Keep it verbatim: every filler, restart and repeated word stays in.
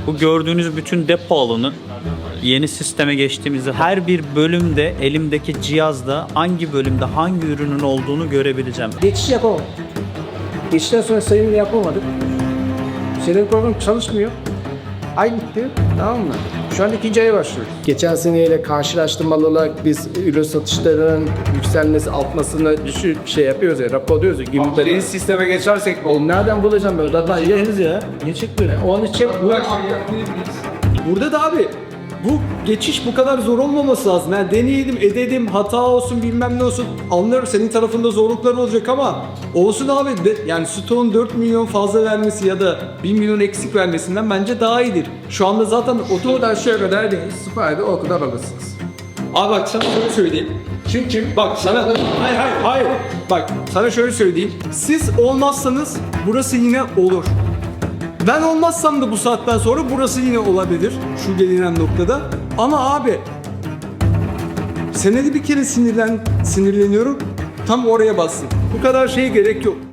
Bu gördüğünüz bütün depo alanı yeni sisteme geçtiğimizde her bir bölümde elimdeki cihazda hangi bölümde hangi ürünün olduğunu görebileceğim. Geçiş yapamadık. Geçişten sonra sayımını yapamadık. Senin program çalışmıyor. Ay bitti. Tamam mı? Şu an ikinci aya başlıyoruz. Geçen seneyle karşılaştırmalı olarak biz ürün satışlarının yükselmesi, artmasını düşük şey yapıyoruz ya, raporluyoruz ya. Gibi Yeni sisteme geçersek Oğlum nereden bulacağım böyle? Zaten yeriz ya. Niye çıkmıyor? Onun için Burada da abi bu geçiş bu kadar zor olmaması lazım. Yani deneyelim, edelim, hata olsun bilmem ne olsun. Anlıyorum senin tarafında zorluklar olacak ama olsun abi. De, yani stoğun dört milyon fazla vermesi ya da bir milyon eksik vermesinden bence daha iyidir. Şu anda zaten otomobil... buradan şöyle kadar değil. Süperdi, o kadar alırsınız. Abi bak sana şöyle söyleyeyim. Çünkü bak sana... Hayır hayır hayır. Bak sana şöyle söyleyeyim. Siz olmazsanız burası yine olur. Ben olmazsam da bu saatten sonra burası yine olabilir. Şu gelinen noktada. Ama abi senede bir kere sinirlen, sinirleniyorum. Tam oraya bassın. Bu kadar şeye gerek yok.